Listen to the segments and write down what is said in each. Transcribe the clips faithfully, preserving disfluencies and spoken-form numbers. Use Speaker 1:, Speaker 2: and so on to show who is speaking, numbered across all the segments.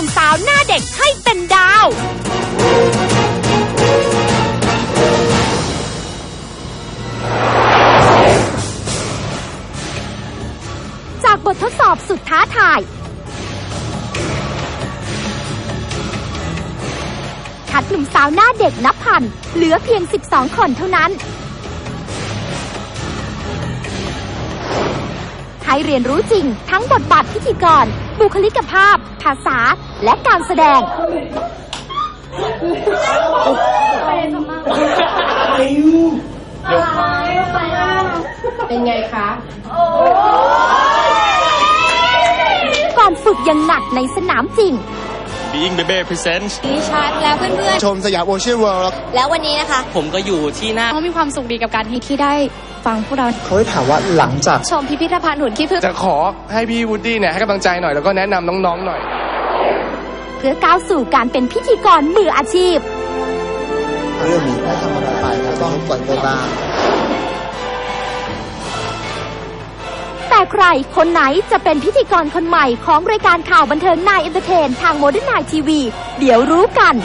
Speaker 1: นุ่มสาวหน้าเด็กให้เป็นดาวจากบททดสอบสุดท้าทายคัดหนุ่มสาวหน้าเด็กนับพันเหลือเพียงสิบสองคนเท่านั้นให้เรียนรู้จริงทั้งบทบาทพิธีกรบุคลิกภาพภาษาและการแสดง
Speaker 2: เป็นไงคะ
Speaker 1: ก่อนฝึกยังหนักในสนามจริง
Speaker 3: Being Baby Presents
Speaker 4: ดิฉันและเพื่อนๆ
Speaker 5: ชมสยามโอเชียนเวิลด์
Speaker 4: แล้ววันนี้นะคะ
Speaker 3: ผมก็อยู่ที่หน้า
Speaker 4: เขามีความสุขดีกับการที่ได้ฟังพวกเรา
Speaker 5: เขาถามว่าหลังจาก
Speaker 4: ชมพิพิธภัณฑ์หุ่นขี้ผึ้ง
Speaker 6: จะขอให้พี่วูดดี้เนี่ยให้กำลังใจหน่อยแล้วก็แนะนำน้องๆหน่อย
Speaker 1: เพื่อก้าวสู่การเป็นพิธีกรมืออาชีพ
Speaker 5: เรื่องนี้ได้ทำอะไรไปแล้วต้องปล่อยไปบ้าง
Speaker 1: แต่ใครคนไหนจะเป็นพิธีกรคนใหม่ของรายการข่าวบันเทิงนายเอนเตอร์เทนทางโมเดิร์นไนน์ทีวีเดี๋ยวรู้กัน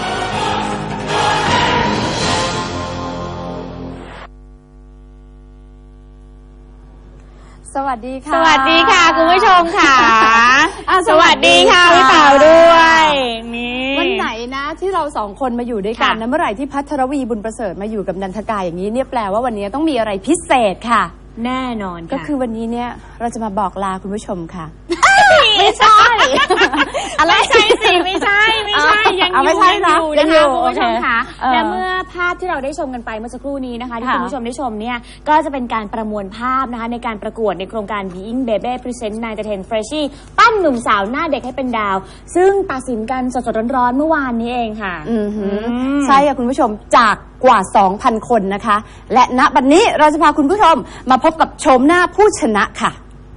Speaker 4: สวัสดีค่ะ
Speaker 2: สวัสดีค่ะคุณผู้ชมค่ะสวัสดีค่ะพี่เต๋าด้วยนี่
Speaker 4: วันไหนนะที่เราสองคนมาอยู่ด้วยกันนะเมื่อไหร่ที่พัทรวีบุญประเสริฐมาอยู่กับนันทกายอย่างนี้เนี่ยแปลว่าวันนี้ต้องมีอะไรพิเศษค่ะ
Speaker 2: แน่นอน
Speaker 4: ก็คือวันนี้เนี่ยเราจะมาบอกลาคุณผู้ชมค่ะ
Speaker 2: ไม่ใช่อะไรใช่สิไม่ใช่ไม่ใช่ยังอยู่ยังอยู่นะคะคุณผู้ชมค่ะและเมื่อภาพที่เราได้ชมกันไปเมื่อสักครู่นี้นะคะที่คุณผู้ชมได้ชมเนี่ยก็จะเป็นการประมวลภาพนะคะในการประกวดในโครงการ Being Baby Presents นาย Entertain Freshie ปั้นหนุ่มสาวหน้าเด็กให้เป็นดาวซึ่งตัดสินกันสดๆร้อนๆเมื่อวานนี้เองค่ะ
Speaker 4: ใช่ค่ะคุณผู้ชมจากกว่า สองพัน คนนะคะและณบัดนี้เราจะพาคุณผู้ชมมาพบกับโฉมหน้าผู้ชนะค่ะ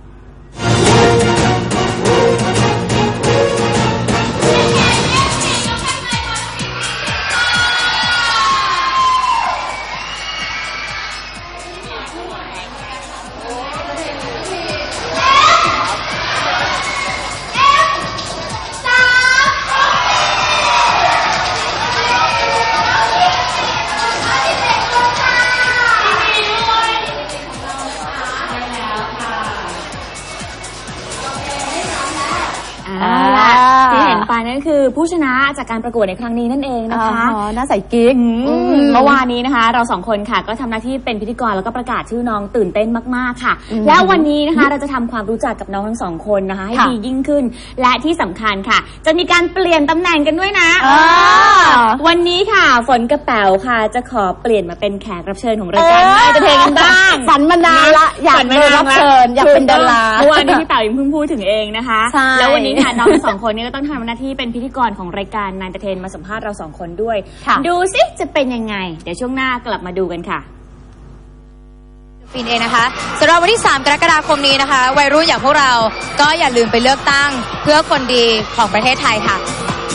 Speaker 2: นั่นคือผู้ชนะจากการประกวดในครั้งนี้นั่นเองนะคะ
Speaker 4: อ๋อน่าใส่กิ๊ก
Speaker 2: เมื่อวานนี้นะคะเราสองคนค่ะก็ทำหน้าที่เป็นพิธีกรแล้วก็ประกาศชื่อน้องตื่นเต้นมากๆค่ะแล้ววันนี้นะคะเราจะทำความรู้จักกับน้องทั้งสองคนนะคะให้ดียิ่งขึ้นและที่สำคัญค่ะจะมีการเปลี่ยนตำแหน่งกันด้วยนะวันนี้ค่ะฝนกระเป๋าค่ะจะขอเปลี่ยนมาเป็นแขกรับเชิญของรายการนายเอนเตอร์เทนกันบ้าง
Speaker 4: ฝันมานานละอยากเป็นรับเชิญอยากเป็นดารา
Speaker 2: เมื่อวานนี้พี่เต๋ายังเพิ่งพูดถึงเองนะคะแล้ววันนี้ค่ะน้องทั้งสองคนนี้ก็ต้องทำหน้าที่เป็นพิธีกรของรายการนายเอนเตอร์เทนมาสัมภาษณ์เราสองคนด้วยดูสิจะเป็นยังไงเดี๋ยวช่วงหน้ากลับมาดูกันค่ะ
Speaker 7: ฟินเองนะคะสำหรับวันที่สามกรกฎาคมนี้นะคะวัยรุ่นอย่างพวกเราก็อย่าลืมไปเลือกตั้งเพื่อคนดีของประเทศไทยค่ะ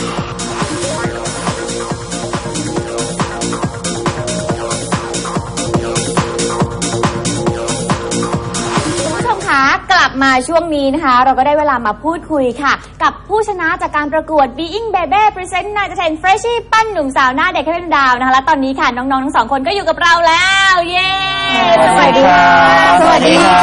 Speaker 2: กลับมาช่วงนี้นะคะเราก็ได้เวลามาพูดคุยค่ะกับผู้ชนะจากการประกวด Being Baby Presents นาย Entertain Freshie ปั้นหนุ่มสาวหน้าเด็กให้เป็นดาวนะคะและตอนนี้ค่ะน้องๆทั้งสองคนก็อยู่กับเราแล้วเย้สวัสดีค่ะสวัสดีค่ะ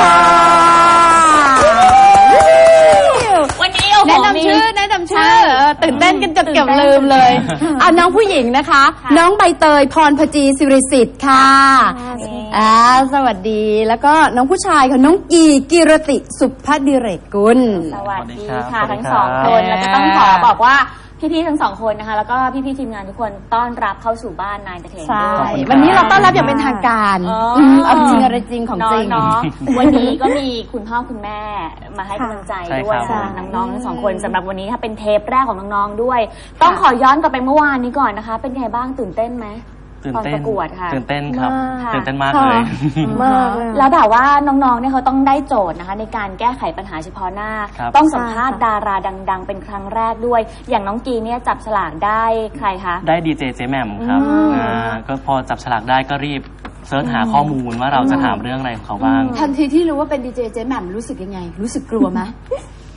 Speaker 2: วันนี้โอ้โห
Speaker 4: แนะนำชื่อแนะนำชื่อตื่นเต้นกันจนเกือบลืมเลยเอาน้องผู้หญิงนะคะน้องใบเตยพรพจีสิริสิทธิ์ค่ะอ่าสวัสดีแล้วก็น้องผู้ชายค่ะน้องกีกิรติสุภดิเรกกุล
Speaker 2: สวัสดีค่ะทั้งสองคนแล้วก็ต้องขอบอกว่าพี่ๆทั้งสองคนนะคะแล้วก็พี่ๆทีมงานทุกคนต้อนรับเข้าสู่บ้านนายเอนเตอร์เทนด้วย
Speaker 4: วันนี้เราต้อนรับอย่างเป็นทางการเอาจริงอะไรจริงของจริง
Speaker 2: เนาะวันนี้ก็มีคุณพ่อคุณแม่มาให้กำลังใจด้วยน้องๆทั้งสองคนสำหรับวันนี้ค่ะเป็นเทปแรกของน้องๆด้วยต้องขอย้อนกลับไปเมื่อวานนี้ก่อนนะคะเป็นไงบ้างตื่นเต้นไหมตอนประกวดค่ะ
Speaker 3: ตื่นเต้นครับตื่นเต้นมากเลย
Speaker 2: มากแล้วแบบว่าน้องๆเนี่ยเขาต้องได้โจทย์นะคะในการแก้ไขปัญหาเฉพาะหน้าต้องสัมภาษณ์ดาราดังๆเป็นครั้งแรกด้วยอย่างน้องกีเนี่ยจับฉลากได้ใครคะ
Speaker 3: ได้ดีเจเจแหม่มครับก็พอจับฉลากได้ก็รีบเสิร์ชหาข้อมูลว่าเราจะถามเรื่องอะไรของเขาบ้าง
Speaker 4: ทันทีที่รู้ว่าเป็นดีเจเจแหม่มรู้สึกยังไงรู้สึกกลัวไหม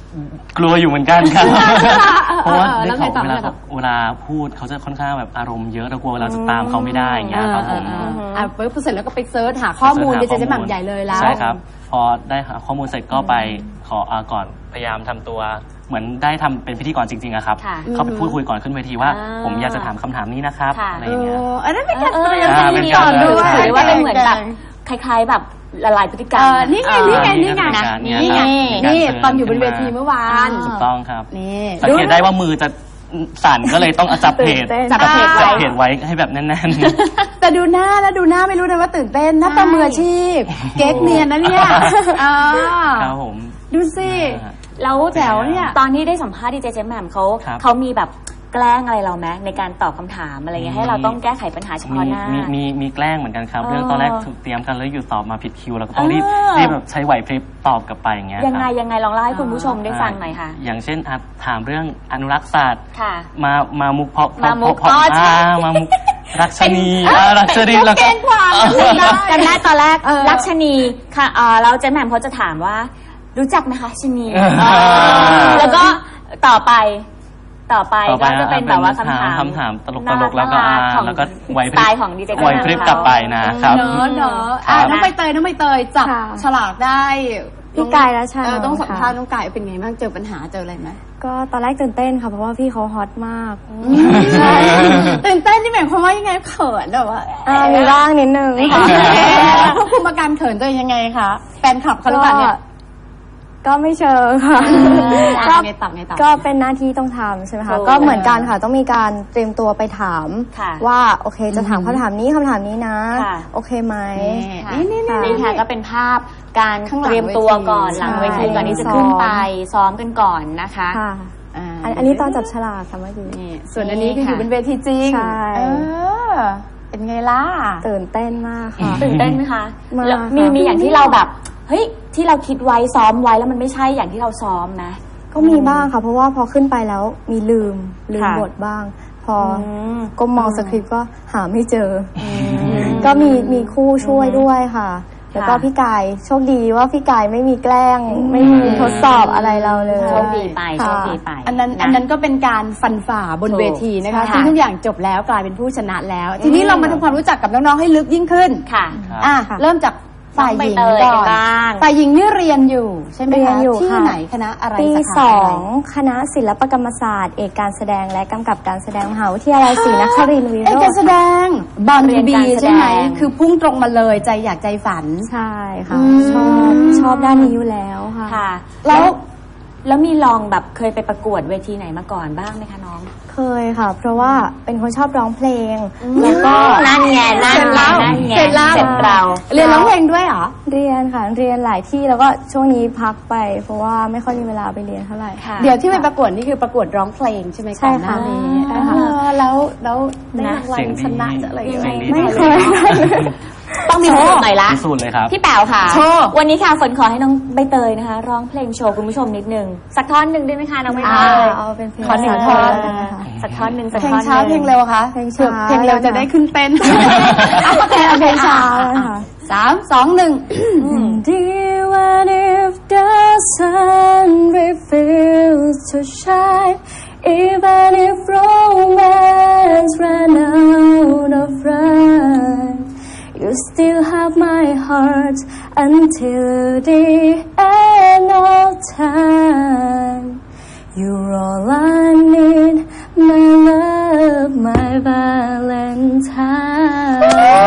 Speaker 3: กลัวอยู่เหมือนกันครับ เพราะว่า
Speaker 4: เออ
Speaker 3: ได้
Speaker 4: แล้วไง
Speaker 3: ข่าว
Speaker 4: ต่อ
Speaker 3: เวลา
Speaker 4: แล้วไงต่อ
Speaker 3: เวลาพูดเขาจะค่อนข้างแบบอารมณ์เยอะเรากลัวเราจะตามเขาไม่ได้อย่างเงี้ยครับผม
Speaker 4: เออเออเอออ่ะปุ๊บเสร็จแล้วก็ไปเซิร์ชหาข้อมูลดีเจเจหม่ำใหญ่เลยแล้ว
Speaker 3: ใช่ครับ พอได้หาข้อมูลเสร็จก็ไปขออาก่อนพยายามทำตัวเหมือนได้ทำเป็นพิธีกรจริงๆอะครับ
Speaker 2: ค่ะ
Speaker 3: เขาไปพูดคุยก่อนขึ้นเวทีว่า
Speaker 2: อ่า
Speaker 3: ผมอยากจะถามคำถามนี้นะครับ
Speaker 2: ค่ะ
Speaker 3: อะไร
Speaker 4: เอ
Speaker 3: อย่างเงี้ย
Speaker 4: ออันนั้นเป็นการ
Speaker 2: เออ
Speaker 4: เตรียม
Speaker 3: อ่า
Speaker 4: พิธี
Speaker 3: เป็น
Speaker 4: ก
Speaker 3: การ
Speaker 4: รด้วย
Speaker 2: หรือว่าเป็นเหมือนแบบคล้ายๆแบบละลายพฤติกรร
Speaker 4: เอ
Speaker 2: ม
Speaker 4: อนี่ไงนี่ไงนี่ไง
Speaker 3: นะ
Speaker 4: นี่ไง
Speaker 3: นี่
Speaker 4: นี่
Speaker 3: การเชิญ
Speaker 4: ตอนอยู่บนเวทีเมื่อวาน
Speaker 3: ถูกต้องครับ
Speaker 4: นี่
Speaker 3: สังเกตได้ว่ามือจะสั่นก็เลยต้องจับเพจ
Speaker 4: จับเพจไว้
Speaker 3: จับเพจไว้ให้แบบแน่น
Speaker 4: แต่ดูหน้าแล้วดูหน้าไม่รู้เลยว่าตื่นเต้นหน้าตามืออาชีพ เก๊กเนียนนะเนี่ยอ่า
Speaker 3: ๆครับผม
Speaker 4: ดูสิ
Speaker 2: แล้ว
Speaker 4: แจ๋วเนี่ย
Speaker 2: ตอนที่ได้สัมภาษณ์ดีเจเจแหม่มเขา
Speaker 3: ครับ
Speaker 2: เขามีแบบแกล้งอะไรเราไหมในการตอบคำถามอะไรเงี้ยให้เราต้องแก้ไขปัญหาเฉพาะ
Speaker 3: มี
Speaker 2: หน้า
Speaker 3: มีมีมีแกล้งเหมือนกันครับ
Speaker 2: เออ
Speaker 3: เรื่องตอนแรกถูกเตรียมกันแล้วอยู่ตอบมาผิดคิวเราก็ต้องรีบ
Speaker 2: เออ
Speaker 3: รีบแบบใช้ไหวพริบตอบกลับไปอย่างเงี้ย
Speaker 2: ยังไง
Speaker 3: ครับ
Speaker 2: ยังไงลองเล่าให้คุณผู้ชมได้ฟังหน่อยค่ะ
Speaker 3: อย่างเช่นอ่ะถามเรื่องอนุรักษ์ศาสตร์
Speaker 2: ค่ะ
Speaker 3: มามามุกเพาะ
Speaker 2: มามุก
Speaker 3: เพาะ
Speaker 2: อ๋อใช่
Speaker 3: อ่ามามุกรักชนีอ่ารักชนีแล้วก็
Speaker 4: เก่งกว่า
Speaker 2: จำได้ตอนแรก
Speaker 4: เออ
Speaker 2: รักชนีค่ะเอ่อแล้วเจแหม่มเขาจะถามว่า รู้จักไหมคะชนี
Speaker 3: เออ
Speaker 2: เออแล้วก็ต่อไป ต่อไป
Speaker 3: ต่อไป
Speaker 2: ก็จะเป็นแบบว่าคำถาม
Speaker 3: คำถามตลกตลกๆแล้วก็
Speaker 2: น่ารั
Speaker 3: อ่า
Speaker 2: ของ
Speaker 3: แล้วก็ไหวพ
Speaker 2: สไต
Speaker 3: ริบ
Speaker 2: ล์ของดีเจ
Speaker 3: ไหวพริบกลับไปนะครับ
Speaker 4: เนาะเนาะอ่ะ
Speaker 3: ครับ
Speaker 4: น้องใบเตยน้องใบเตยจับ
Speaker 8: ค่ะ
Speaker 4: ฉลากได้
Speaker 8: พี่กายรัชชานนท์
Speaker 4: เออต้องสัมภาษณ์
Speaker 8: ค่ะ
Speaker 4: น้องกายเป็นไงบ้างเจอปัญหาเจออะไรไหม
Speaker 8: ก็ตอนแรกตื่นเต้นค่ะเพราะว่าพี่เขาฮอตมาก
Speaker 4: ใช่ตื่นเต้นที่หมายความว่ายังไงเขินแบบว่า
Speaker 8: อ่ามีบ้างนิดนึงค่ะ
Speaker 4: แล้วควบคุมอาการเขินตัวเองยังไงคะแฟนคลับเขาหรือเปล่าเนี่ย
Speaker 8: ก็ไม่เชิงค่ะ
Speaker 4: อ่ะไงต่อไงต่อ
Speaker 8: ก็เป็นหน้าที่ต้องทำใช่ไหม
Speaker 2: ถู
Speaker 8: คะ
Speaker 2: ก
Speaker 8: ก็เหมือนกันค่ะ ต้องมีการเตรียมตัวไปถาม
Speaker 2: ค่ะ
Speaker 8: ว่าโอเคจะถามคำถามนี้คำถามนี้นะ
Speaker 2: ค่ะ
Speaker 8: โอเคไหม
Speaker 2: ค่ะ
Speaker 4: นี่นี่นี่
Speaker 2: นี่ค่ะก็เป็นภาพการ
Speaker 4: ข้างหลัง
Speaker 2: เตรียมตัวก่อน
Speaker 4: เวที
Speaker 2: หลังเวที
Speaker 8: ใช่
Speaker 2: ก่อนที่จะขึ้นไปซ้อมกันก่อนนะคะ
Speaker 8: ค่ะ
Speaker 4: อ่า
Speaker 8: อันอันนี้ตอนจับฉลากค่ะเมื่อกี้
Speaker 4: นี่ส่วนอันนี้คืออยู่บนเวทีจริง
Speaker 8: ใช่
Speaker 4: เออเป็นไงล่ะ
Speaker 8: ตื่นเต้นมากค่ะ
Speaker 2: ตื่นเต้นไหมคะ
Speaker 8: มาก
Speaker 2: แล้วมี
Speaker 8: ค่ะ
Speaker 2: มีอย่างที่เราแบบเฮ้ยที่เราคิดไว้ซ้อมไว้แล้วมันไม่ใช่อย่างที่เราซ้อมไหม
Speaker 8: ก็มีบ้างค่ะ เพราะว่าพอขึ้นไปแล้วมีลืมลืม
Speaker 2: ค่ะ
Speaker 8: บทบ้าง พออ
Speaker 2: ม
Speaker 8: ก็มองสคริปต์ก็หาไม่เจออก็มีมีคู่ช่วยด้วยค่ะ แล้วก็
Speaker 2: ค่ะ
Speaker 8: พี่กายโชคดีว่าพี่กายไม่มีแกล้ง ไม่มีทดสอบอะไรเราเลย
Speaker 2: โชคดีไปโช
Speaker 8: ค่ะ
Speaker 2: คดีไป
Speaker 4: อันนั้น
Speaker 2: นะ
Speaker 4: อันนั้นก็เป็นการฟันฝ่าบน
Speaker 2: ถูก
Speaker 4: เวทีนะคะ
Speaker 2: ใช่
Speaker 4: ซึ่งทุกอย่างจบแล้วกลายเป็นผู้ชนะแล้ว ทีนี้เรามาทำความรู้จักกับน้องๆให้ลึกยิ่งขึ้น
Speaker 2: ค่ะ
Speaker 3: ครับ
Speaker 4: อ่ะเริ่มจากฝ่ายหญิง
Speaker 2: น้องใบเตย
Speaker 4: ก่อน
Speaker 2: กันบ้าง
Speaker 4: ฝ่ายหญิงนี่เรียนอยู่ใช่ไหม
Speaker 8: เรีย
Speaker 4: คะ
Speaker 8: นอยู่
Speaker 4: ที่
Speaker 8: ค่ะ
Speaker 4: ไหนคณะอะไร
Speaker 8: ปี
Speaker 4: สา
Speaker 8: ส
Speaker 4: ขา
Speaker 8: อ
Speaker 4: อะไร
Speaker 8: งคณะศิลปกรรมศาสตร์ เอกการแสดงและกำกับการแสดงมหาวิทยาลัยศรีนครินทร์วิโร
Speaker 4: เอ้ย
Speaker 8: จ
Speaker 4: การ
Speaker 8: น์
Speaker 4: แสดงบอล
Speaker 2: เรี
Speaker 4: ทู
Speaker 2: ยน
Speaker 4: บี
Speaker 2: การแสดง
Speaker 4: ใช่ไหมคือพุ่งตรงมาเลยใจอยากใจฝัน
Speaker 8: ใช่ค่ะ
Speaker 4: อืม
Speaker 8: ชอบชอบด้านนี้อยู่แล้วค่ะ
Speaker 2: ค่ะ
Speaker 4: แล้
Speaker 2: แล้ว วแล้วมีลองแบบเคยไปประกวดเวทีไหนมาก่อนบ้างไหมคะน้อง
Speaker 8: เคยค่ะ เพราะว่าเป็นคนชอบร้องเพลง แล้วก็
Speaker 2: นั่นไงนั่น
Speaker 4: เสร็จ
Speaker 2: ไง
Speaker 4: แล้ว
Speaker 2: นั่นไง
Speaker 4: เสร็จแล้ว
Speaker 2: เสร็จเรา
Speaker 4: เรียนร้องเพลงด้วยเหรอ
Speaker 8: เรียนค่ะเรียนหลายที่แล้วก็ช่วงนี้พักไป เพราะว่าไม่ค่อยมีเวลาไปเรียนเท่าไหร่
Speaker 2: ค่ะ
Speaker 4: เดี๋ยวที่ไปประกวดนี่คือประกวดร้องเพลงใช่ไหม
Speaker 8: ใช่
Speaker 4: ก่อนห
Speaker 8: ค่ะ
Speaker 4: น้านี้
Speaker 8: ใช่ค่ะ
Speaker 4: เออแล้วแล้วได้
Speaker 2: นะ
Speaker 4: รางวัล
Speaker 3: เสียงดี
Speaker 4: ชนะจะอะไรอย่าง
Speaker 3: เสียงดี
Speaker 4: เงี้ย
Speaker 8: ไม่เคยได้เลย
Speaker 2: ต้องมีพิสูจน์หน่อยละ
Speaker 3: พิสูจน์เลยครับ
Speaker 2: พี่แป๋วค่ะ
Speaker 4: โชว์
Speaker 2: วันนี้ค่ะฝนขอให้น้องใบเตยนะคะ ร้องเพลงโชว์คุณผู้ชมนิดนึงสักท่อนหนึ่งได้ไหมคะน้องใบเต
Speaker 8: อ่าย เอาเป็นเพลง
Speaker 4: ขอหนึ่ง
Speaker 8: ช้า
Speaker 4: ท่อน
Speaker 8: แล้วกันนะคะ
Speaker 2: สักท่อนหนึ่งสัก
Speaker 4: เพล
Speaker 2: ท่
Speaker 4: ง
Speaker 2: อน
Speaker 4: ช้า
Speaker 2: หนึ่
Speaker 4: เพลงเร็วคะ
Speaker 8: เพลงช้า
Speaker 4: เพลงเร็วจะได้ขึ้นเต้น
Speaker 8: เอาเพลงเพลงช้าแล้วค่ะ
Speaker 4: สามสองหนึ่ง
Speaker 8: Even if the sun refuses to shine, even if romance ran out of rhyme, you still have my heart until the end of time. You're all I need, my love, my Valentine.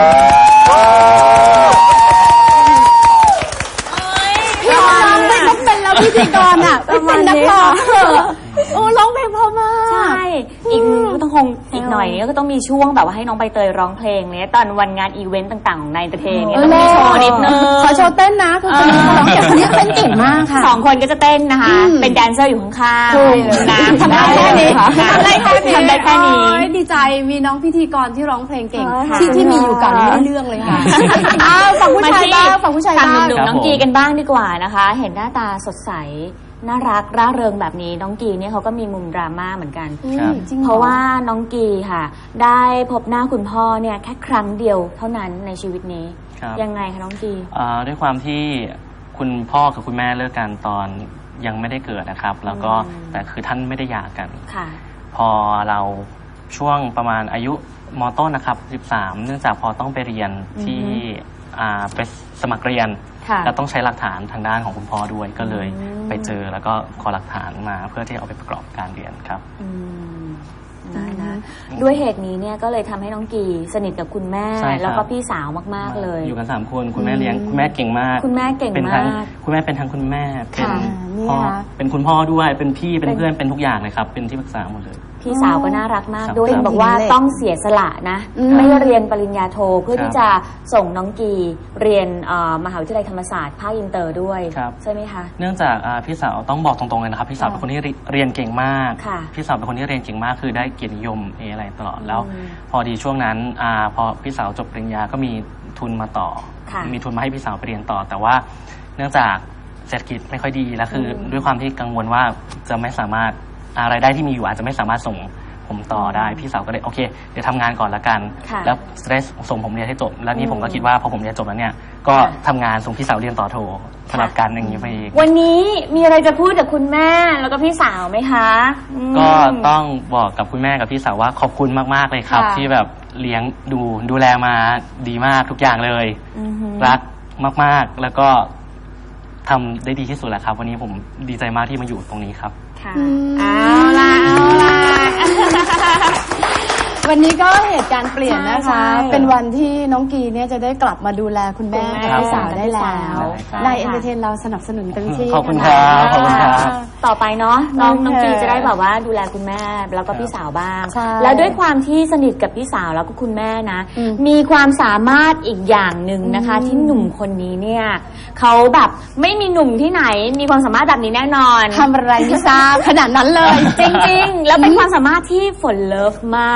Speaker 4: พี่ร้องไม่ต้องเป็นแล้วพิธีกรอ่ะเป็นนักร้องเถอะโอ้ร้องเพลงเพราะมาก
Speaker 2: ใช่อีกก็ต้องคงอีกหน่อยนี้ก็ต้องมีช่วงแบบว่าให้น้องใบเตยร้องเพลงเนี้ยตอนวันงานอีเวนต์ต่างๆของนายเอนเตอร์เทนเนี่ยต้องมีโชว์นิดนึง
Speaker 4: ขอโชว์เต้นนะคือคนนี้เขาร้องเก่งคนนี้เต้นเก่งมากค่ะ
Speaker 2: สองคนก็จะเต้นนะคะ
Speaker 4: อืม
Speaker 2: เป็นแดนเซอร์อยู่ข้าง
Speaker 4: ถูก
Speaker 2: ๆนะ
Speaker 4: ทำได้แค่นี้
Speaker 2: ค่ะ
Speaker 4: ทำได้แค่นี้
Speaker 2: ทำได้แค่นี้
Speaker 4: โอ้ยดีใจมีน้องพิธีกรที่ร้องเพลงเก่ง
Speaker 8: ค่ะ
Speaker 4: ที่ที่มีอยู่ก่อนไม่ได้เรื่องเลยค่ะอ้าวฝั่งผู้ชายบ้างฝั่งผู้ชาย
Speaker 2: ฝั่ง
Speaker 4: บ้าง
Speaker 2: หนุ่ม
Speaker 3: ครับ
Speaker 2: ๆน้อง
Speaker 3: ผม
Speaker 2: กีกันบ้างดีกว่านะคะ เห็นหน้าตาสดใสน่ารักร่าเริงแบบนี้น้องกีเนี่ยเขาก็มีมุมดราม่าเหมือนกัน
Speaker 3: ครับ
Speaker 4: จริงหอ
Speaker 2: เพราะว่าน้องกีค่ะ ได้พบหน้าคุณพ่อเนี่ยแค่ครั้งเดียวเท่านั้นในชีวิตนี้
Speaker 3: ครับ
Speaker 2: ยังไงคะน้องกี
Speaker 3: อ่าด้วยความที่คุณพ่อกับคุณแม่เลิกกันตอนยังไม่ได้เกิดนะครับ แล้วก็แต่คือท่านไม่ได้หย่ากัน
Speaker 2: ค่ะ
Speaker 3: พอเราช่วงประมาณอายุม.ต้นนะครับสิบสามเนื่องจากพอต้องไปเรียนที่อ่าไปสมัครเรียน
Speaker 2: ค่ะ
Speaker 3: แล้วต้องใช้หลักฐานทางด้านของคุณพ่อด้วยก็เลยไปเจอแล้วก็ขอหลักฐานมาเพื่อที่เอาไปประกอบการเรียนครับ
Speaker 2: อืมได้นะด้วยเหตุนี้เนี่ยก็เลยทำให้น้องกีสนิทกับคุณแม่
Speaker 3: ใช่ครับ
Speaker 2: แล้วก็พี่สาวมากๆเลย
Speaker 3: อยู่กันสามคนคุณแม่เลี้ยงคุณแม่เก่งมาก
Speaker 2: คุณแม่เก่ง
Speaker 3: เป็นทั้ง
Speaker 2: มาก
Speaker 3: คุณแม่เป็นทั้งคุณแม่เป็น
Speaker 2: ค่ะ
Speaker 3: พ่อ
Speaker 4: เนี่ย
Speaker 3: เป็นคุณพ่อด้วยเป็นพี่เป็นเพื่อนเป็นทุกอย่างเลยครับเป็นที่ปรึกษาหมดเลย
Speaker 2: พี่สาวก็น่ารักมาก
Speaker 3: ครับ
Speaker 2: ด้วย
Speaker 3: ครับ
Speaker 2: บอกว่าต้องเสียสละนะ
Speaker 4: อืม
Speaker 2: ไม่เรียนปริญญาโทเพื่อ
Speaker 3: ครับ
Speaker 2: ที่จะส่งน้องกีเรียนเอ่อมหาวิทยาลัยธรรมศาสตร์ภาคอินเตอร์ด้วย
Speaker 3: ครับ
Speaker 2: ใช่ไหมคะ
Speaker 3: เนื่องจากอ่าพี่สาวต้องบอกตรงๆเลยนะครับพี่สาวเป็นคนที่เรียนเก่งมาก
Speaker 2: ค่ะ
Speaker 3: พี่สาวเป็นคนที่เรียนเก่งมากคือได้เกียรตินิยมเออะไรตลอดแล้ว
Speaker 2: อืม
Speaker 3: พอดีช่วงนั้นอาพอพี่สาวจบปริญญาก็มีทุนมาต่อ
Speaker 2: ค่ะ
Speaker 3: มีทุนมาให้พี่สาวไปเรียนต่อ แต่ว่าเนื่องจากเศรษฐกิจไม่ค่อยดีแล้วคืออด้วยความที่กังวลว่าจะไม่สามารถอะไรายได้ที่มีอยู่อาจจะไม่สามารถส่งผมต่อได้พี่สาวก็เลยโอเคเดี๋ยวทำงานก่อนละกัน
Speaker 2: ค่ะ
Speaker 3: แล้วจะได้ส่งผมเรียนให้จบแล้วนี่ผมก็คิดว่าพอผมเรียนจบแล้วเนี่ยก็ทำงานส่งพี่สาวเรียนต่อโทสลับกันอย่างนี้ไปอีก
Speaker 2: วันนี้มีอะไรจะพูดกับคุณแม่แล้วก็พี่สาวไหมคะอืม
Speaker 3: ก็ต้องบอกกับคุณแม่กับพี่สาวว่าขอบคุณมากๆเลยครับ
Speaker 2: ค่ะ
Speaker 3: ที่แบบเลี้ยงดูดูแลมาดีมากทุกอย่างเลย
Speaker 2: อือหือ
Speaker 3: รักมากๆแล้วก็ทำได้ดีที่สุดแหละครับ วันนี้ผมดีใจมากที่มาอยู่ตรงนี้ครับ
Speaker 2: ค่ะเอาล่ะเอาล่ะ
Speaker 4: วันนี้ก็เหตุการณ์เปลี่ยนนะคะ
Speaker 2: ใช่
Speaker 4: เป็นวันที่น้องกีเนี่ยจะได้กลับมาดูแลคุณแม่
Speaker 2: คุณแม่
Speaker 4: กับพี่สาวได้แล้ว
Speaker 3: ใช่ครับ
Speaker 4: ในเอ็นเตอร์เทนเราสนับสนุนเต็มที่
Speaker 3: ขอบคุณครับขอบคุณครับ
Speaker 2: ต่อไปเนาะน้อง
Speaker 4: โอเค
Speaker 2: น้องกีจะได้แบบว่าดูแลคุณแม่แล้วก็พี่สาวบ้าง
Speaker 4: ใช่
Speaker 2: แล้วด้วยความที่สนิทกับพี่สาวแล้วก็คุณแม่นะ
Speaker 4: อืม
Speaker 2: มีความสามารถอีกอย่างหนึ่งนะคะ ที่หนุ่มคนนี้เนี่ยเขาแบบไม่มีหนุ่มที่ไหนมีความสามารถแบบนี้แน่นอน
Speaker 4: ทำอะไรไม่ทราบขนาดนั้นเลย
Speaker 2: จริงๆ แล้วเป็นความสามารถที่ฝนเลิฟมาก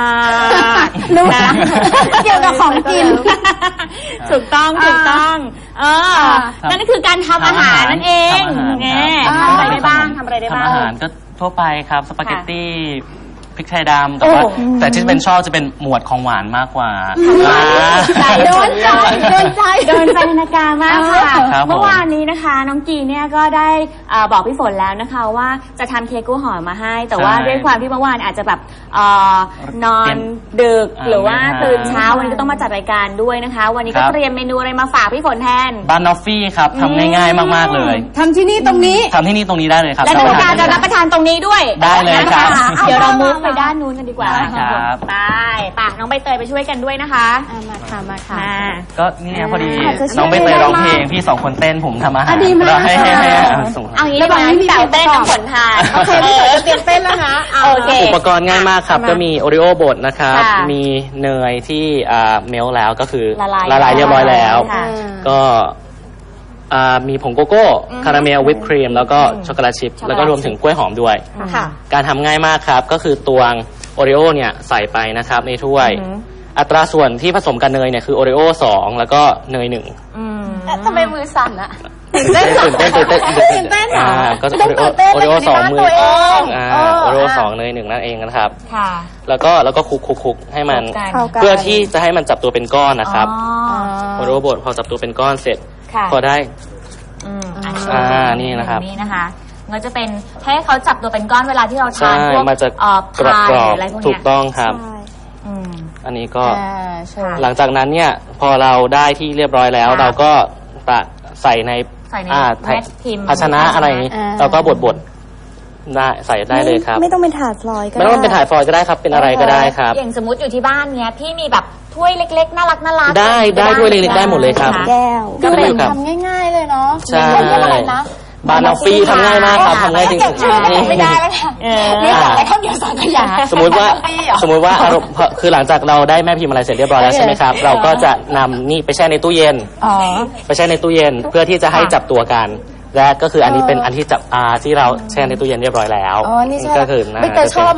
Speaker 4: รู้
Speaker 2: นะ
Speaker 4: เกี่ยวกับของกิน
Speaker 2: ถูกต้องถูกต้องเออนั่นก็คือการทำอาหารนั่นเอง
Speaker 3: ทำอาหาร
Speaker 2: ไง
Speaker 3: ครับ
Speaker 2: ทำอะไรได้บ้างทำอะไรได้บ้าง
Speaker 3: ทำอาหารก็ทั่วไปครับสปาเกตตี้พริกไทยดำแต่
Speaker 2: โอ้
Speaker 3: ว่าแต่ที่เป็นชอบจะเป็นหมวดของหวานมากกว่า
Speaker 2: ใจ
Speaker 4: โดนใจโดนใจ
Speaker 2: โดนใจนาการมากค่ะ
Speaker 3: ครับผม
Speaker 2: เมื่อวานนี้นะคะ น้องกีเนี่ยก็ได้เอ่อบอกพี่ฝนแล้วนะคะว่าจะทำเค้กกล้วยหอมมาให้ แต่ว่า
Speaker 3: ใช่
Speaker 2: ด้วยความที่เมื่อวานอาจจะแบบเอ่อนอน
Speaker 3: เตรียม
Speaker 2: ดึก
Speaker 3: อ่า
Speaker 2: หรือว่า
Speaker 3: ไม่ทัน
Speaker 2: ตื่นเช้าวันนี้ก็ต้องมาจัดรายการด้วยนะคะ วันนี้ก็
Speaker 3: ครับ
Speaker 2: เตรียมเมนูอะไรมาฝากพี่ฝนแทน
Speaker 3: บานอฟฟี่ครับทำง่ายๆมากๆเลย
Speaker 4: ทำที่นี่ตรงนี้
Speaker 3: ทำที่นี่ตรงนี้ได้เลยครับ
Speaker 2: และกาจะรับประทานตรงนี้ด้วย
Speaker 3: ได้เลยครับ
Speaker 2: นะคะเดี๋ยวเรามุกไปด้านนู้นกันดีกว่า
Speaker 3: ได้ครับ
Speaker 2: ไปไปน้องใบเตยไปช่วยกันด้วยนะคะ
Speaker 4: อ่ะมาค่ะมาค่ะ
Speaker 2: มา
Speaker 3: ก็นี่ไงพอดี
Speaker 4: อาจจะช่วย
Speaker 3: น้องใบเตย
Speaker 4: ได้
Speaker 3: ร้อง
Speaker 4: มาก
Speaker 3: เพลงพี่สองคนเต้นผมทำอาหาร
Speaker 4: อ่ะดีมาก
Speaker 3: แล้วให้ให้ให้
Speaker 4: ค่ะ
Speaker 3: เอาส่ง
Speaker 2: เอางี้
Speaker 4: ระหว่างนี้มี
Speaker 2: แต่เต้น
Speaker 4: เพลงประกอบ
Speaker 2: น้ำฝนทาน
Speaker 4: โอเคพี่ฝนจะเตรียมเต้นแล้วนะะ
Speaker 2: โอเค
Speaker 3: อุปกรณ์ง่ายมากครับ
Speaker 4: มา
Speaker 3: ก็มีโอริโอบดนะครับ
Speaker 2: ค่ะ
Speaker 3: มีเนยที่อ่าเมลแล้วก็คือ
Speaker 2: ละลาย
Speaker 3: ละลายเรียบร้อยแล้ว
Speaker 2: ค่ะ
Speaker 3: ก็อ่ามีผงโกโก้คาราเมลวิปครีมแล้วก็ช็อกโกแลตชิพ
Speaker 2: ช็อกโกแลต
Speaker 3: แล้วก็รวมถึงกล้วยหอมด้วย
Speaker 4: ค่ะ
Speaker 3: การทำง่ายมากครับ ก็คือตวงโอริโอเนี่ยใส่ไปนะครับในถ้วย
Speaker 2: อือหือ
Speaker 3: อัตราส่วนที่ผสมกับเนยเนี่ยคือโอริโอสองแล้วก็เนยหนึ่ง
Speaker 2: อืม
Speaker 4: ทำไมมือสั่นอะ
Speaker 3: ตื่นเต้นตื่นเต้น
Speaker 4: ตื่นเต้นเหรอ
Speaker 3: อ่าก็
Speaker 4: ไม่ต้องตื่นเต้น
Speaker 3: โอริโอสองมือ
Speaker 4: ตัวเอง
Speaker 3: อ่า
Speaker 4: เออ
Speaker 3: โอริโอ
Speaker 4: อ่ะ
Speaker 3: สองเนยหนึ่งนั่นเองนะครับ
Speaker 2: ค่ะ
Speaker 3: แล้วก็แล้วก็คลุกคลุกคลุกให้มัน
Speaker 2: เข้ากัน
Speaker 3: เพื่อที่จะให้มันจับตัวเป็นก้อนนะครับ
Speaker 2: อ๋อ
Speaker 3: โอริโอบดพอจับตัวเป็นก้อนเสร็จ
Speaker 2: ค่ะ
Speaker 3: พอได้
Speaker 2: อืม
Speaker 3: อ่านี่นะครับ
Speaker 2: นี่นะคะมันจะเป็นให้เขาจับตัวเป็นก้อนเวลาที่เราทา
Speaker 3: ใช่
Speaker 2: นพวก
Speaker 3: มันจะ
Speaker 2: เอ่อก
Speaker 3: รอบ
Speaker 2: พาย
Speaker 3: กรอบ
Speaker 2: อะไรพวก
Speaker 3: ถู
Speaker 2: เนี้
Speaker 3: ก
Speaker 2: ย
Speaker 3: ต้องครับ
Speaker 2: อืม
Speaker 3: อันนี้ก็
Speaker 4: อ่าใช่
Speaker 3: หลังจากนั้นเนี่ยพอเราได้ที่เรียบร้อยแล้ว
Speaker 2: ค่ะ
Speaker 3: เราก็ตักใส่ใน
Speaker 2: ใส่ใน
Speaker 3: อ่า
Speaker 2: แม็กพิมพ์
Speaker 3: ภาชนะอะไรอย่างนี้
Speaker 4: อ่า
Speaker 3: เราก็บดบดได้ใส่ได้เลยครับ
Speaker 8: ไม่ต้องเป็นถาดฟลอยก็
Speaker 3: ไม่ต้องเป็นถ่ายฟอยล์ก็ได้ครับเป็นอะไรก็ได้ครับ
Speaker 2: อย่างสมมติอยู่ที่บ้านเนี้ยพี่มีแบบถ้วยเล็กๆน่ารักน่ารัก
Speaker 3: ได้ได้ถ้วยเล็กๆได้หมดเลยครับ
Speaker 2: นะะ
Speaker 8: แก้ว
Speaker 4: ก็เป็น
Speaker 3: ครับ
Speaker 4: ทำง่ายๆเลยเนาะ
Speaker 3: ใช่
Speaker 4: เรียกอะไรนะ
Speaker 3: บานอฟฟี่ทำง่ายมากครับทำง่ายจริง
Speaker 4: เก็บชื่อ
Speaker 3: ๆ
Speaker 4: ไม่ได้แล้วค่ะ
Speaker 2: เออ
Speaker 4: เรียกอะไรข้าวเหนียวสังขยา
Speaker 3: สมมุติว่า
Speaker 4: บานอฟฟี่เหรอ
Speaker 3: สมมุติว่าอารมณ์คือหลังจากเราได้แม่พิมพ์อะไรเสร็จเรียบร้อยแล้วใช่ไหมครับ เราก็จะนำนี่ไปแช่ในตู้เย็น
Speaker 4: อ๋อ
Speaker 3: ไปแช่ในตู้เย็นเพื่อที่จะให้จับตัวกัน และก็คืออันนี้เป็นอันที่จับอาที่เราแช่ในตู้เย็นเรียบร้อยแล้ว
Speaker 4: อ๋อ นี่ใช่
Speaker 3: ก็คือนะ
Speaker 4: ไม่เคยชอบนะ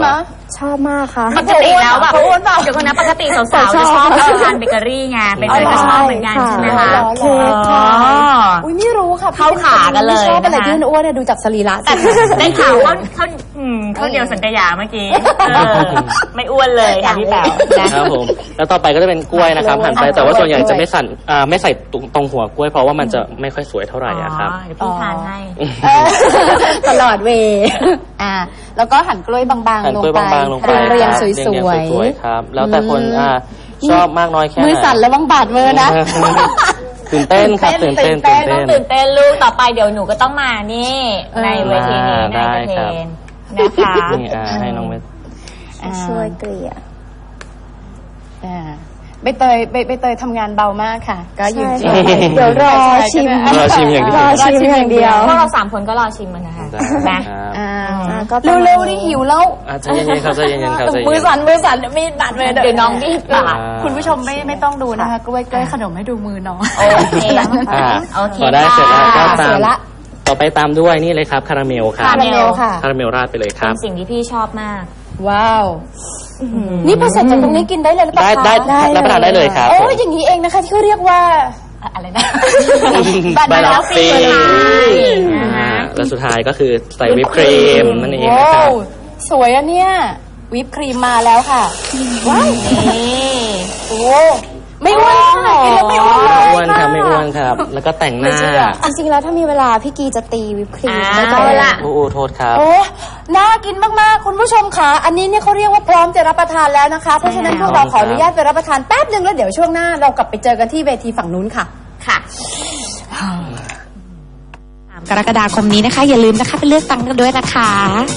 Speaker 8: ชอบมากค่ะ
Speaker 2: ปกติแล้วแบบเดี๋ยวคนนะปกติสาวๆจะชอบทานเบเกอรี่ไงเบเกอรี่ก็ชอบเหมือนกันใช่ไหมคะ
Speaker 4: เค้กค่ะอุ้ยไม่รู้ค่ะ
Speaker 2: เข้าขากันเลย
Speaker 4: ชอบอะไรที่อ้วนๆดูจากสรีระ
Speaker 2: แต่ได้ข่าวว่าเขาเขาเดียวสัญญาเมื่อกี้ไม่อ้วนเลยค่ะพี่แป๋ว
Speaker 3: นะครับผมแล้วต่อไปก็จะเป็นกล้วยนะครับหั่นไปแต่ว่าส่วนใหญ่จะไม่สั่นอ่าไม่ใส่ตรงหัวกล้วยเพราะว่ามันจะไม่ค่อยสวยเท่าไหร่อะครับ
Speaker 2: พี่ทานให้
Speaker 4: ตลอดเวอ่าแล้วก็หั่นกล้วยบางๆลงไปเรียงๆสวยๆ
Speaker 3: ครับแล้วแต่คนอ่าชอบมากน้อยแค่ไหน
Speaker 4: มือสั่นแล้วบังบาดมือนะ
Speaker 3: ตื่นเต้นครับตื่นเต้นตื่นเต้น
Speaker 2: ตื่นเต้นลูกต่อไปเดี๋ยวหนูก็ต้องมานี่ในเวทีนี้ในเวทีนะคะ
Speaker 3: นี่อ่าให้น้องเวท
Speaker 8: ช่วยเกลี่ย
Speaker 4: อ่าใบเตยใบใบเตยทำงานเบามากค่ะก็ยืน
Speaker 8: เดี๋ยวรอชิม
Speaker 3: รอชิมอย่างเดียว
Speaker 8: รอชิมอย่างเดียว
Speaker 2: พวกเราสามคนก็รอชิมมันนะคะนะ
Speaker 4: เร็วๆนี่หิวแล้ว
Speaker 3: ใจเย็นๆครับใจเย็นๆครับ
Speaker 4: มือสั่นมือสั่นมีดบาดเลย
Speaker 2: เดี๋ยวน้องมีดบาด
Speaker 4: คุณผู้ชมไม่ไม่ต้องดูนะคะกล้วยกล้วยขนมให้ดูมือน้อง
Speaker 2: โอเคโอเค
Speaker 3: พอได้เสร็จแล้วก็ตามต่อไปตามด้วยนี่เลยครับคาราเมลครับ
Speaker 2: คาราเมล
Speaker 4: ค่ะ
Speaker 3: คาราเมลราดไปเลยครับ
Speaker 2: เป็นสิ่งที่พี่ชอบมาก
Speaker 4: ว้าวนี่พอเสร็จจากตรงนี้กินได้เลยหรือเปล่า
Speaker 3: ได้ได้รับประทานได้เลยครับ
Speaker 4: โอ้อย่างนี้เองนะคะที่เขาเรียกว่าอะไรนะ
Speaker 3: บานาน่าฟีแล้วสุดท้ายก็คือใส่วิปครีมนั่นเองนะครับ
Speaker 4: สวยอะเนี่ยวิปครีมมาแล้วค่ะว้าว
Speaker 2: นี่
Speaker 4: โอ้ไม่อ้วนค่ะกินแล้วไม่อ้วน
Speaker 3: ไม่อ้วนครับไม่อ้วนครับแล้วก็แต่งหน้า
Speaker 8: จริงๆแล้วถ้ามีเวลาพี่กีจะตีวิปครีม
Speaker 2: ได้
Speaker 8: ละ
Speaker 3: โอ้โทษครับ
Speaker 4: โอ้น่ากินมากๆคุณผู้ชมค่ะอันนี้เนี่ยเขาเรียกว่าพร้อมจะรับประทานแล้วนะคะเพราะฉะนั้นพวกเราขออนุญาตไปรับประทานแป๊บนึงแล้วเดี๋ยวช่วงหน้าเรากลับไปเจอกันที่เวทีฝั่งนู้นค่ะ
Speaker 2: ค่ะ
Speaker 1: กรกฎาคมนี้นะคะอย่าลืมนะคะไปเลือกตั้งกันด้วยนะคะ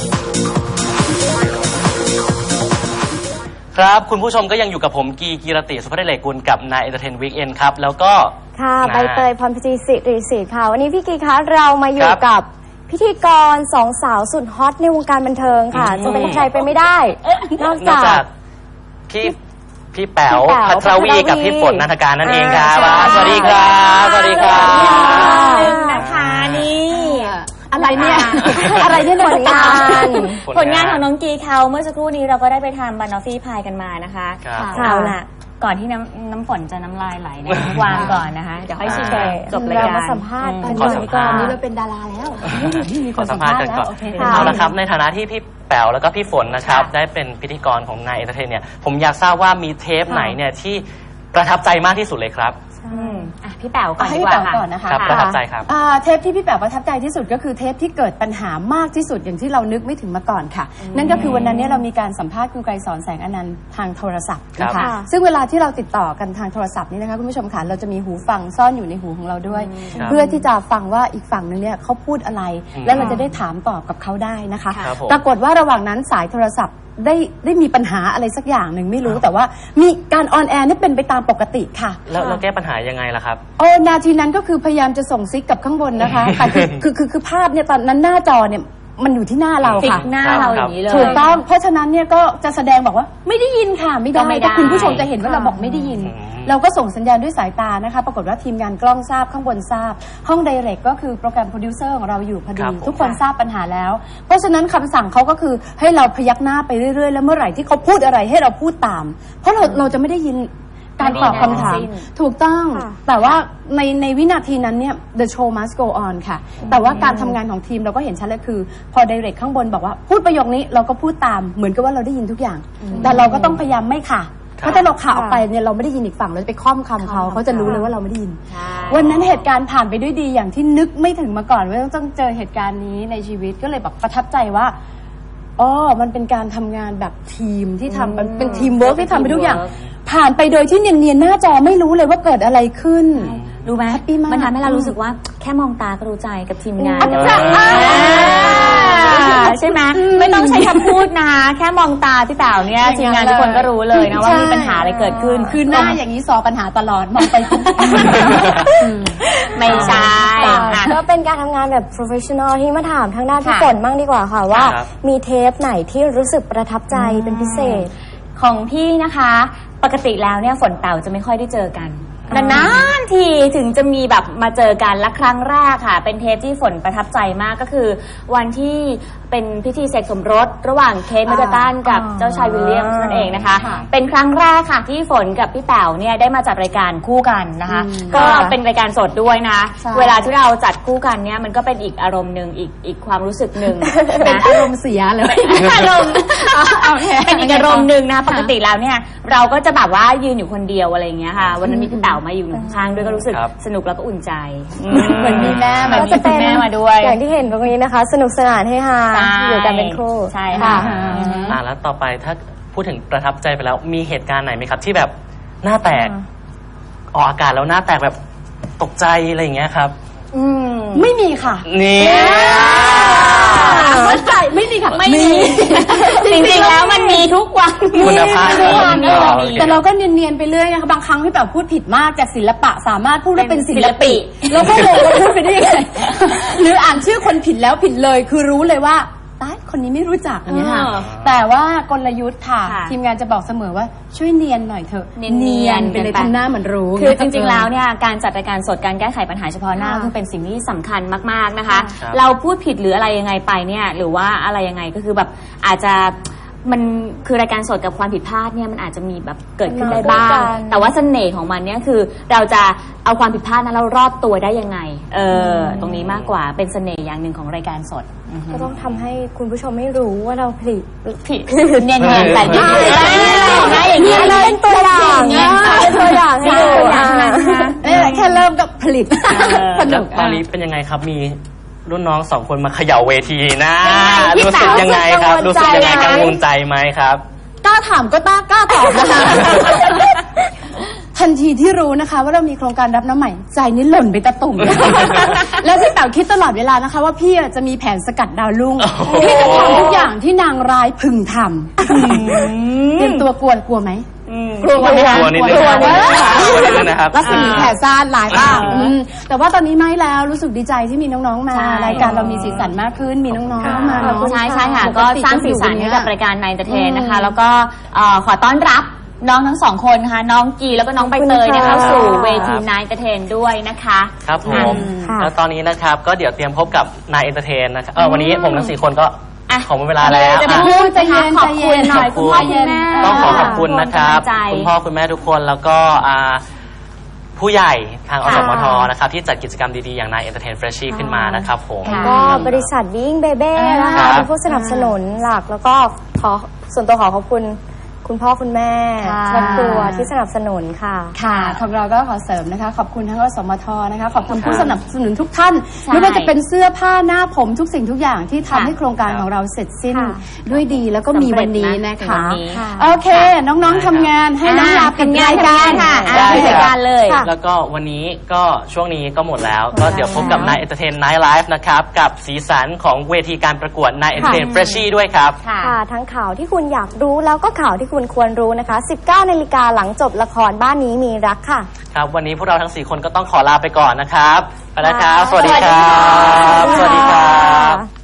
Speaker 3: ครับคุณผู้ชมก็ยังอยู่กับผมกีกีรติสุภเดชกุลกับนายเอนเตอร์เทนวีคเอนครับแล้วก็
Speaker 8: ค่ะใบเตยพรพจีสิริศิษฐ์ค่ะวันนี้พี่กีคะเรามาอยู่กับพิธีกรสองสาวสุดฮอตในวงการบันเทิงค่ะจะเป็นใครไปไม่ได้นอกจาก
Speaker 3: พี่พี่แป๋วพัทรวีกับพี่ฝนนันทการนั่นเองครับสวัสดีครับสวัสดีครับ
Speaker 2: นะคะนี่
Speaker 4: อะไรเนี่ยอะไรเนี่ยผลงาน
Speaker 2: ผลงานของน้องกีเขาเมื่อสักครู่นี้เราก็ได้ไปทำบานอฟฟี่พายกันมานะคะเอาล่ะก่อนที่น้ำน้ำฝนจะน้ำลายไหลเนี่ยวางก่อนนะคะเดี๋ยวค่อยชิมจบรายการ
Speaker 8: มาสัมภาษณ์กัน
Speaker 3: ก่อน
Speaker 4: นี้เราเป็นดาราแล้ว
Speaker 3: มีคนสัมภาษณ์กันก่อนเอาละครับในฐานะที่พี่แป๋วแล้วก็พี่ฝนนะครับได้เป็นพิธีกรของนายเอนเตอร์เทนเนี่ยผมอยากทราบว่ามีเทปไหนเนี่ยที่ประทับใจมากที่สุดเลยครับ
Speaker 2: พี่แป๋วก่อนดี
Speaker 4: กว่าค่ะนะคะ
Speaker 3: ประทับใจครับ
Speaker 4: เทปที่พี่แป๋วประทับใจที่สุดก็คือเทปที่เกิดปัญหามากที่สุดอย่างที่เรานึกไม่ถึงมาก่อนค่ะนั่นก็คือวันนั้นเนี่ยเรามีการสัมภาษณ์คุณไกรสอนแสงอนันต์ทางโทรศัพท์นะคะซึ่งเวลาที่เราติดต่อกันทางโทรศัพท์นี่นะคะคุณผู้ชมค่ะเราจะมีหูฟังซ่อนอยู่ในหูของเราด้วยเพื่อที่จะฟังว่าอีกฝั่งนึงเนี่ยเขาพูดอะไรแล้วเราจะได้ถามตอบกับเขาได้นะคะปรากฏว่าระหว่างนั้นสายโทรศัพท์ได้ได้มีปัญหาอะไรสักอย่างหนึ่งไม่รู้แต่ว่ามีการออนแอร์นี่เป็นไปตามปกติค่ะ
Speaker 3: แล้วเราแก้ปัญหายังไงล่ะครับ
Speaker 4: โอ้นาทีนั้นก็คือพยายามจะส่งซิกกับข้างบนนะคะแต่คือคือคือภาพเนี่ยตอนนั้นหน้าจอเนี่ยมันอยู่ที่หน้าเราค่ะ
Speaker 2: หน้าเราอย่างนี้เลย
Speaker 4: ถูกต้องเพราะฉะนั้นเนี่ยก็จะแสดงบอกว่าไม่ได้ยินค่ะไม่ได้แต่คุณผู้ชมจะเห็นว่าเราบอกไม่ได้ยินเราก็ส่งสัญญาณด้วยสายตานะคะปรากฏว่าทีมงานกล้องทราบข้างบนทราบห้องไดเรกก็คือโปรแกรมโปรดิวเซอร์ของเราอยู่พอดีทุกคนทราบปัญหาแล้วเพราะฉะนั้นคำสั่งเขาก็คือให้เราพยักหน้าไปเรื่อยๆแล้วเมื่อไหร่ที่เขาพูดอะไรให้เราพูดตามเพราะเราเราจะไม่ได้ยินการตอบคำถามถูกต้องแต่ว่าในในวินาทีนั้นเนี่ย the show must go on ค่ะแต่ว่าการทำงานของทีมเราก็เห็นชัดเลยคือพอไดเรกข้างบนบอกว่าพูดประโยคนี้เราก็พูดตามเหมือนกับว่าเราได้ยินทุกอย่างแต่เราก็ต้องพยายามไม่ค่ะเพราะถ้าเราข่าวออกไปเนี่ยเราไม่ได้ยินอีกฝั่งเราจะไปค่อมคำเขาเขาจะรู้เลยว่าเราไม่ได้ยินวันนั้นเหตุการณ์ผ่านไปด้วยดีอย่างที่นึกไม่ถึงมาก่อนว่าต้องเจอเหตุการณ์นี้ในชีวิตก็เลยแบบประทับใจว่าอ๋อมันเป็นการทำงานแบบทีมที่ทำมันเป็นทีมเวิร์กที่ทำไปทุกอย่างผ่านไปโดยที่เนียนๆหน้าจอไม่รู้เลยว่าเกิดอะไรขึ้น
Speaker 2: รู้ไหมมันทำให้เรารู้สึกว่าแค่มองตาก็รู้ใจกับทีมงานใช่ไหมไม่ต้องใช้คำพูดนะแค่มองตาพี่แป๋วเนี่ยทีมงานทุกคนก็รู้เลยนะว่ามีปัญหาอะไรเกิดขึ้น
Speaker 4: คือหน้าอย่างนี้ซอปัญหาตลอดมองไป
Speaker 2: ไม่ใช่
Speaker 8: ก็เป็นการทำงานแบบ professional ที่มาถามทางด้านพี่ฝนบ้างดีกว่าค่ะว่ามีเทปไหนที่รู้สึกประทับใจเป็นพิเศษ
Speaker 2: ของพี่นะคะปกติแล้วเนี่ยฝนแป๋วจะไม่ค่อยได้เจอกันนานๆทีถึงจะมีแบบมาเจอกันและครั้งแรกค่ะเป็นเทปที่ฝนประทับใจมากก็คือวันที่เป็นพิธีเสกสมรสระหว่างเคทมิดเดิลตันกับเจ้าชายวิลเลียมนั่นเองนะคะเป็นครั้งแรกค่ะที่ฝนกับพี่แป๋วเนี่ยได้มาจัดรายการคู่กันนะคะก็เป็นรายการสดด้วยนะเวลาที่เราจัดคู่กันเนี่ยมันก็เป็นอีกอารมณ์หนึ่งอีกอีกความรู้สึกหนึ่งเป็น
Speaker 4: อารมณ์เสียเลย
Speaker 2: อารมณ์เป็นอีกอารมณ์หนึ่งนะปกติแล้วเนี่ยเราก็จะแบบว่ายืนอยู่คนเดียวอะไรอย่างเงี้ยค่ะวันนั้นมีพี่แป๋วมาอยู่ข้างด้วยก็รู้สึกสนุกแล้วก็อุ่นใจ
Speaker 4: เหมือนมีแม่
Speaker 2: มันมีคุณแม่มาด้วย
Speaker 8: อย่างที่เห็นตรงนี้นะคะสนุกสนานให้ฮาอยู่กันเป็นคู่
Speaker 2: ใช่ค่ะ
Speaker 3: อ่าแล้วต่อไปถ้าพูดถึงประทับใจไปแล้วมีเหตุการณ์ไหนไหมครับที่แบบหน้าแตกออกอากาศแล้วหน้าแตกแบบตกใจอะไรอย่างเงี้ยครับ
Speaker 4: อืมไม่มีค่ะ
Speaker 3: นี่
Speaker 4: มั่นใจไม่มีค่ะ
Speaker 2: ไม่มีจริงๆแล้วมันมีทุกวัน
Speaker 3: คุณภาพ
Speaker 4: แต่เราก็เนียนๆไปเรื่อยนะคะบางครั้งที่แบบพูดผิดมากจากศิลปะสามารถพูดได้เป็นศิลปิแล้วก็งงว่าพูดไปได้ยังไงหรืออ่านชื่อคนผิดแล้วผิดเลยคือรู้เลยว่าตายคนนี้ไม่รู้จักอย่างเงี้ยค่ะแต่ว่ากลยุทธ์ค่ะทีมงานจะบอกเสมอว่าช่วยเนียนหน่อยเถอะ
Speaker 2: เนียน
Speaker 4: ไปเลยทำหน้าเหมือนรู้
Speaker 2: คือจริงๆแล้วเนี่ยการจัดรายการสดการแก้ไขปัญหาเฉพาะหน้าคือเป็นสิ่งที่สำคัญมากๆนะคะเราพูดผิดหรืออะไรยังไงไปเนี่ยหรือว่าอะไรยังไงก็คือแบบอาจจะมันคือรายการสดกับความผิดพลาดเนี่ยมันอาจจะมีแบบเกิดขึ้นได้บ้างแต่ว่าเสน่ห์ของมันเนี่ยคือเราจะเอาความผิดพลาดนั้นเรารอดตัวได้ยังไงเออตรงนี้มากกว่าเป็นเสน่ห์อย่างหนึ่งของรายการสด
Speaker 8: ก็ต้องทำให้คุณผู้ชมไม่รู้ว่าเราผลิต
Speaker 2: ผิดเนียนๆแต่ดี
Speaker 8: ๆอย่างนี้เราเป็นตัวอย่างเป็นตัวอย่างให้ดู
Speaker 4: แค่เริ่มกับผลิต
Speaker 3: สนุกตอนนี้เป็นยังไงครับมีรุ่นน้องสองคนมาเขย่าเวทีนะรู้สึกยังไงครับรู้สึกยังไงกังวลใจไหมครับ
Speaker 4: กล้าถามก็ต้ากล้าตอบนะคะทันทีที่รู้นะคะว่าเรามีโครงการรับน้ำใหม่ใจนี่หล่นไปตะตุ่มแล้วพี่แป๋วคิดตลอดเวลานะคะว่าพี่จะมีแผนสกัดดาวรุ่งพี่จะทำทุกอย่างที่นางร้ายพึงทำเตรียมตัวกลัวกลัวไหม
Speaker 3: กลัวไหมคะกลัวนิดนึงนะครับ
Speaker 4: รัศมีแผ่ซ่านหลายบ้างแต่ว่าตอนนี้ไม่แล้วรู้สึกดีใจที่มีน้องๆมารายการเรามีสีสันมากขึ้นมีน้องๆเข้ามา
Speaker 2: ใช่ใช่ค่ะก็สร้างสีสันให้กับรายการนายเอนเตอร์เทนนะคะแล้วก็ขอต้อนรับน้องทั้งสองคนค่ะน้องกีแล้วก็น้องใบเตยเข้าสู่เวทีนายเอนเตอร์เทนด้วยนะคะ
Speaker 3: ครับผมแล้วตอนนี้นะครับก็เดี๋ยวเตรียมพบกับนายเอนเตอร์เทนนะครับวันนี้ผมทั้งสี่คนก็ขอหมดเวลาแล้ว
Speaker 2: จะพูดจะขอบคุณหน่อยคุณพ่อคุณแม่
Speaker 3: ต้องขอขอบคุณนะครับคุณพ่อคุณแม่ทุกคนแล้วก็ผู้ใหญ่ทางอสมทนะครับที่จัดกิจกรรมดีๆอย่างนายเอนเตอร์เทนเฟรชชี่ขึ้นมานะครับผม
Speaker 8: ก็บริษัทบิ้งเบเบ้นะคะเป็นผู้สนับสนุนหลักแล้วก็ขอส่วนตัวขอขอบคุณคุณพ่อคุณแม่ครอบครัวที่สนับสนุนค่ะ
Speaker 4: ค่ะของเราก็ขอเสริมนะคะขอบคุณทั้งอสมทนะคะขอบคุณผู้สนับสนุนทุกท่านไม่ว่าจะเป็นเสื้อผ้าหน้าผมทุกสิ่งทุกอย่างที่ทำให้โครงการของเราเสร็จสิ้นด้วยดีแล้วก็มีวันนี้นะคะโอเคน้องๆทำงานให้น้องลาเป็นงานกัน
Speaker 2: ค่ะเป็นรายการเลย
Speaker 3: แล้วก็วันนี้ก็ช่วงนี้ก็หมดแล้วก็เดี๋ยวพบกับนายเอนเตอร์เทนไนท์ไลฟ์นะครับกับสีสันของเวทีการประกวดนายเอนเตอร์เทนเฟรชชี่ด้วยครับ
Speaker 8: ค่ะทั้งข่าวที่คุณอยากรู้แล้วก็ข่าวที่คุณควรรู้นะคะ สิบเก้านาฬิกาหลังจบละครบ้านนี้มีรักค่ะ
Speaker 3: ครับวันนี้พวกเราทั้งสี่คนก็ต้องขอลาไปก่อนนะครับไปแล้วครับสวัสดีครับสวัสดีครับ